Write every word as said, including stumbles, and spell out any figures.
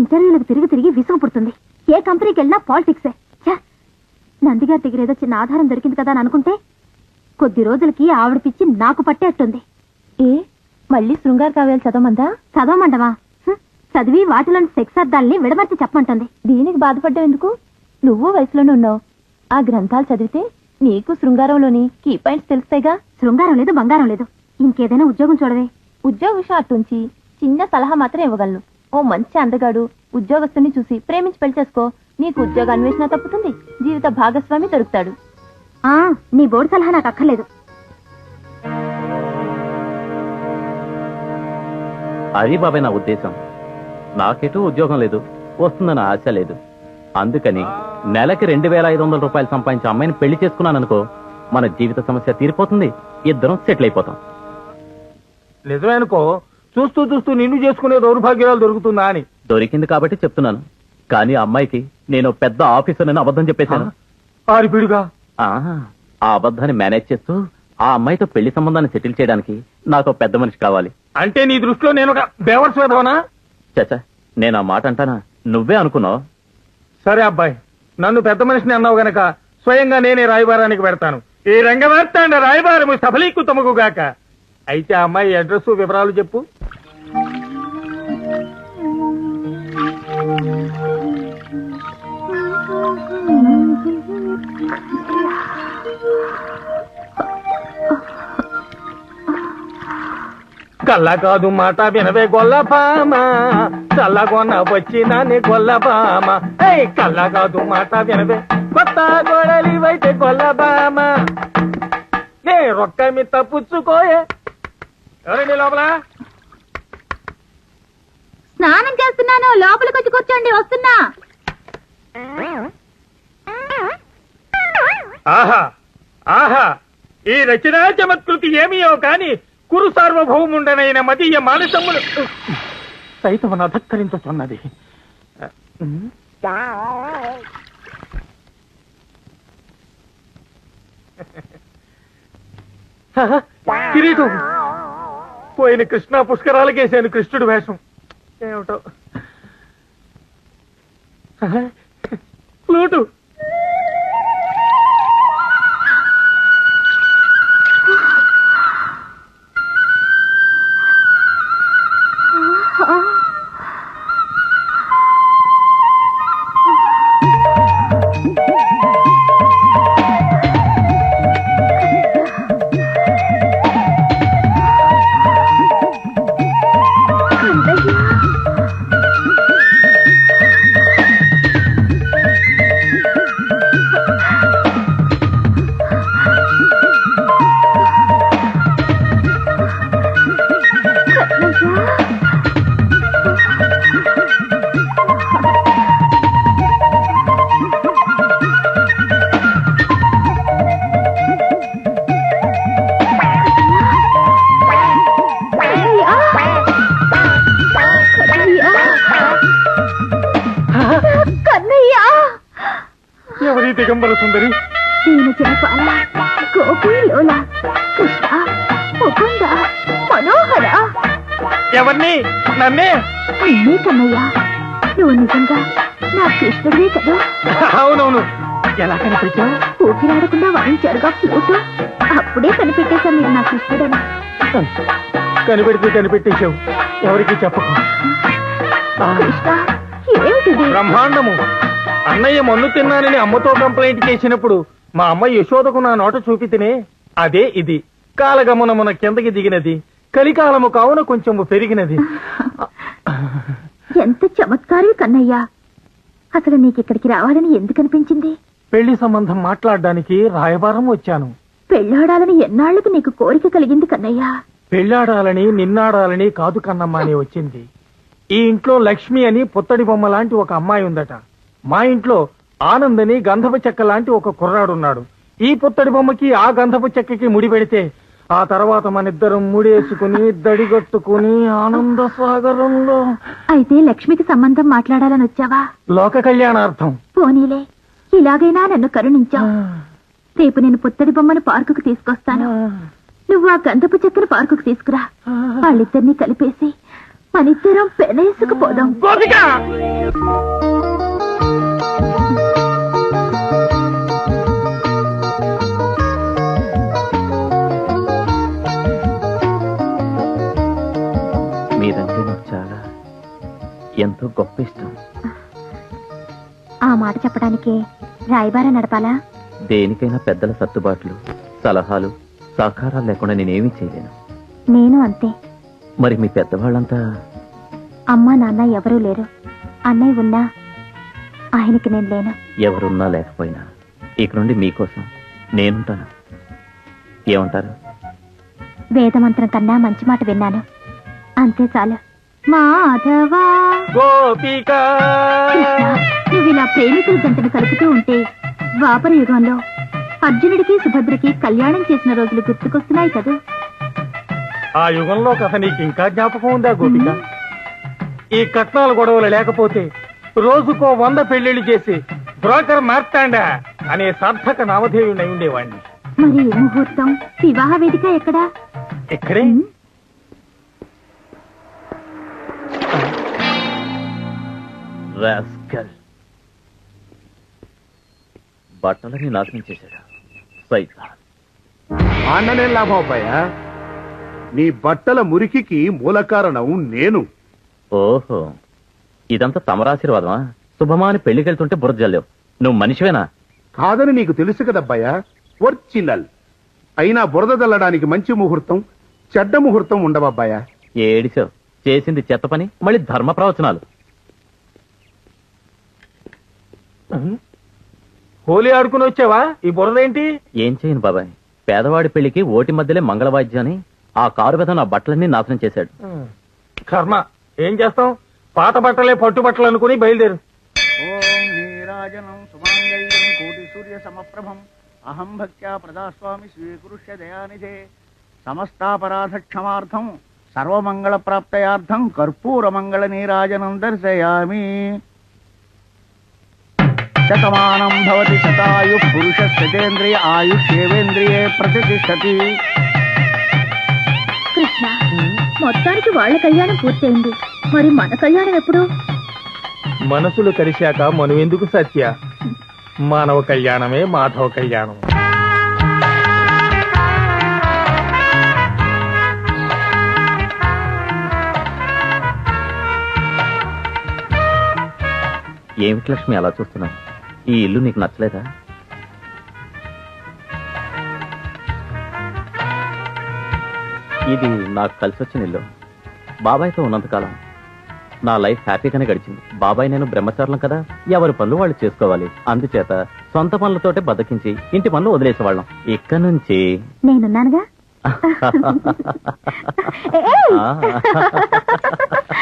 ఇంటర్వ్యూలకు తిరిగి తిరిగి విసుగు పుడుతుంది. ఏ కంపెనీకి వెళ్ళినా పాలిటిక్సే. నందిగారి దగ్గర ఏదో చిన్న ఆధారం దొరికింది కదా అని అనుకుంటే కొద్ది రోజులకి ఆవిడ పిచ్చి నాకు పట్టేట్టుంది. ఏ మళ్ళీ శృంగార కావ్యాలు చదవమందా? చదవమంటవా? చదివి వాటిలోని సెక్స్ అర్థాలని విడమర్చి చెప్పమంటుంది. దీనికి బాధపడ్డం ఎందుకు? నువ్వు వయసులోనే ఉన్నావు. ఆ గ్రంథాలు చదివితే నీకు శృంగారంలోని కీ పాయింట్స్ తెలుస్తాయిగా. శృంగారం లేదు, బంగారం లేదు. ఇంకేదైనా ఉద్యోగం చూడవే. ఉద్యోగ విషయం అట్టుంచి చిన్న సలహా మాత్రం ఇవ్వగలను. ఓ మంచి అందగాడు ఉద్యోగస్తుని చూసి ప్రేమించి పెళ్లి చేసుకో. నీకు ఉద్యోగ అన్వేషణ తప్పుతుంది, జీవిత భాగస్వామి దొరుకుతాడు. ఆ నీ బోర్డు సలహా నాకు అక్కర్లేదు. అది బాబాయ్ నా ఉద్దేశం. నాకెటూ ఉద్యోగం లేదు, వస్తుందన్న ఆశ లేదు. అందుకని నెలకి రెండు వేల ఐదు వందల రూపాయలు సంపాదించే అమ్మాయిని పెళ్లి చేసుకున్నాను అనుకో, మన జీవిత సమస్య తీరిపోతుంది, ఇద్దరం సెటిల్ అయిపోతాం. నిజమే అనుకో. చూస్తూ చూస్తూ నిన్ను చేసుకునే దౌర్భాగ్యాలు దొరుకుతుందా అని. దొరికింది కాబట్టి చెప్తున్నాను. కానీ ఆ అమ్మాయికి నేను పెద్ద ఆఫీసర్ అని అబద్ధం చెప్పేశాను. ఆరిపిడుగా ఆ అబద్ధాన్ని మేనేజ్ చేస్తూ ఆ అమ్మాయితో పెళ్లి సంబంధాన్ని సెటిల్ చేయడానికి నాకు పెద్ద మనిషి కావాలి. అంటే నీ దృష్టిలో నేను ఒక బేవర్స్ వేదవనా? చచ్చా, నేను ఆ మాట అంటానా? నువ్వే అనుకున్నావు. సరే అబ్బాయి, నన్ను పెద్ద మనిషిని అన్నావు గనక స్వయంగా నేనే రాయబారానికి పెడతాను. ఈ రంగవార్తాండ రాయబారము సఫలీకృతముగాక. అయితే ఆ అమ్మాయి అడ్రస్ వివరాలు చెప్పు. కళ్ళ కాదు మాట వినవే గొల్లపామ, చల్లగొన్న వచ్చినానే గొల్లపామ. కళ్ళ కాదు మాట వినవే కొత్త గొడలివైతే గొల్లపామ. ఏ రొక్క మీ తప్పుచ్చుకోయే. ఎవరండి లోపల? స్నానం చేస్తున్నాను, లోపలికి వచ్చి కూర్చోండి, వస్తున్నా. ఆహా ఆహా, ఈ రచనా చమత్కృతి ఏమియో కాని కురు సార్వభౌముండనైన మదీయ మానసములు సైతమును అధక్కరించుతున్నది. కిరీటం పోయిన కృష్ణా పుష్కరాలకేసాను కృష్ణుడు వేషం. ఏమిటో ఫ్లూటు. ఎవరి దిగంబర సుందరి? దీని జనపాల గోపి లోల కృష్ణ ముకుంద మనోహర. ఎవరిని? నన్నే? అన్నీ కన్నయ్య, నువ్వు నిజంగా నా కృష్ణుడివే కదా? అవునవును. ఎలా కనిపెట్టావు? ఊపిరాడకుండా వాయించారుగా ఫ్లూటు, అప్పుడే కనిపెట్టేశా మీరు నా కృష్ణుడని. కనిపెడితే కనిపెట్టేశావు, ఎవరికి చెప్పకు. కృష్ణ, ఏమిటిది? బ్రహ్మాండము. అన్నయ్య మన్ను తిన్నానని అమ్మతో కంప్లైంట్ చేసినప్పుడు మా అమ్మ యశోదకు నా నోట చూపితేనే అదే ఇది. కాలగమనమున కిందకి దిగినది, కలికాలము కావున కొంచెము పెరిగినది. ఎంత చమత్కారి కన్నయ్య. అసలు నీకిక్కడికి రావాలని ఎందుకు అనిపించింది? పెళ్లి సంబంధం మాట్లాడడానికి రాయబారం వచ్చాను. పెళ్ళాడాలని ఎన్నాళ్లకు నీకు కోరిక కలిగింది కన్నయ్య? పెళ్ళాడాలని నిన్నాడాలని కాదు కన్నమ్మ అని వచ్చింది. ఈ ఇంట్లో లక్ష్మి అని పుత్తడి బొమ్మ లాంటి ఒక అమ్మాయి ఉందట. మా ఇంట్లో ఆనందని గంధపు చెక్క లాంటి ఒక కుర్రాడున్నాడు. ఈ పుత్తడి బొమ్మకి ఆ గంధపు చెక్కకి ముడి పెడితే ఆ తర్వాత మనిద్దరం ముడేసుకుని దడిగట్టుకుని ఆనంద సాగరంలో. అయితే లక్ష్మికి సంబంధం మాట్లాడాలని వచ్చావా? లోక కళ్యాణార్థం. పోనీలే, ఇలాగైనా నన్ను కరుణించావు. రేపు నేను పుత్తడి బొమ్మను పార్కుకు తీసుకొస్తాను. నువ్వు ఆ గంధపు చెక్కను పార్కుకు తీసుకురా. వాళ్ళిద్దరినీ కలిపేసి పనితీరం పెనేసుకుపోదాం. గోపిక మీరంటే నాకు చాలా ఎంతో గొప్ప ఇష్టం. ఆ మాట చెప్పడానికి రాయబార నడపాలా? దేనికైనా పెద్దల సర్దుబాట్లు, సలహాలు, సహకారాలు లేకుండా నేనేమీ చేయలేను. నేను అంతే. మరి మీ పెద్దవాళ్ళంతా? అమ్మా నాన్న ఎవరూ లేరు. అన్నయ్య ఉన్నా ఆయనకి నేను లేను. ఎవరున్నా లేకపోయినా ఇక నుండి మీకోసం నేనుంటాను. ఏమంటారు? వేదమంత్రం కన్నా మంచి మాట విన్నాను, అంతే చాలు. మాధవా గోపిక కృష్ణ, నువ్వు ఇలా ప్రేమికుల జంటను కలుపుతూ ఉంటే ద్వాపర యుగంలో అర్జునుడికి సుభద్రకి కళ్యాణం చేసిన రోజులు గుర్తుకొస్తున్నాయి కదా. ఆ యుగంలో కథ నీకు ఇంకా జ్ఞాపకం ఉందా గోపిక? ఈ కట్నాల గొడవలు లేకపోతే రోజుకో వంద పెళ్లిళ్లు చేసి బ్రోకర్ మార్తాండా అనే సార్థక నామధేయుడై ఉండేవాణ్ణి. మరి ముహూర్తం, వివాహ వేదిక ఎక్కడా? ఇక్కడే. రాస్కల్. బట్టలని నాశనం చేశాడు సైతాన్. అన్ననే లాభం అబ్బాయా, నీ బట్టల మురికికి మూల కారణం నేను. ఓహో, ఇదంతా తమరాశీర్వాదమా? శుభమాని పెళ్లికెళ్తుంటే బురద జల్లేవు. నువ్వు మనిషివేనా? కాదని నీకు తెలుసు కదబ్బాయా, ఒరిజినల్. అయినా బురద చల్లడానికి మంచి ముహూర్తం, చెడ్డ ముహూర్తం ఉండవబ్బాయా. ఏడిసావు. చేసింది చెత్త పని, మళ్ళీ ధర్మ ప్రవచనాలు. హోలీ ఆడుకుని వచ్చావా? ఈ బురదేంటి? ఏం చేయను బాబాయ్, పేదవాడి పెళ్లికి ఓటి మధ్యలే మంగళవాద్యాన్ని ఆ కారు మీద నా బట్టలన్నీ నాశనం చేశాడు. కర్మ, ఏం చేస్తాం? పాత బట్టలే పట్టు బట్టలు అనుకుని బయలుదేరు. ఓం నీరాజనం సుమాంగళ్యం కోటి సూర్య సమప్రభం అహం భక్త్యా ప్రదాస్వామి స్వీకృష్య దయానిధే సమస్తాపరాధ క్షమార్థం సర్వమంగళ ప్రాప్తయార్థం కర్పూర మంగళ నీరాజనం దర్శయామి. శతమానం భవతి శతాయు పురుష శతేంద్రియ ఆయుష్యేవేంద్రియే ప్రతిష్టతి. కృష్ణ, మొత్తానికి వాళ్ళ కళ్యాణం పూర్తయింది, మరి మన కళ్యాణం ఎప్పుడు? మనసులు కలిశాక మనువెందుకు సత్య? మానవ కళ్యాణమే మాధవ కళ్యాణం. ఏమిటి లక్ష్మి అలా చూస్తున్నావు? ఈ ఇల్లు నీకు నచ్చలేదా? ఇది నాకు కలిసి వచ్చిన ఇల్లు. బాబాయ్తో ఉన్నంతకాలం నా లైఫ్ హ్యాపీగానే గడిచింది. బాబాయ్ నేను బ్రహ్మచారులం కదా, ఎవరి పనులు వాళ్ళు చేసుకోవాలి. అందుచేత సొంత పనులతోటే బతికించి ఇంటి పనులు వదిలేసేవాళ్ళం. ఇక్కడ నుంచి నేనున్నానుగా. ఆ.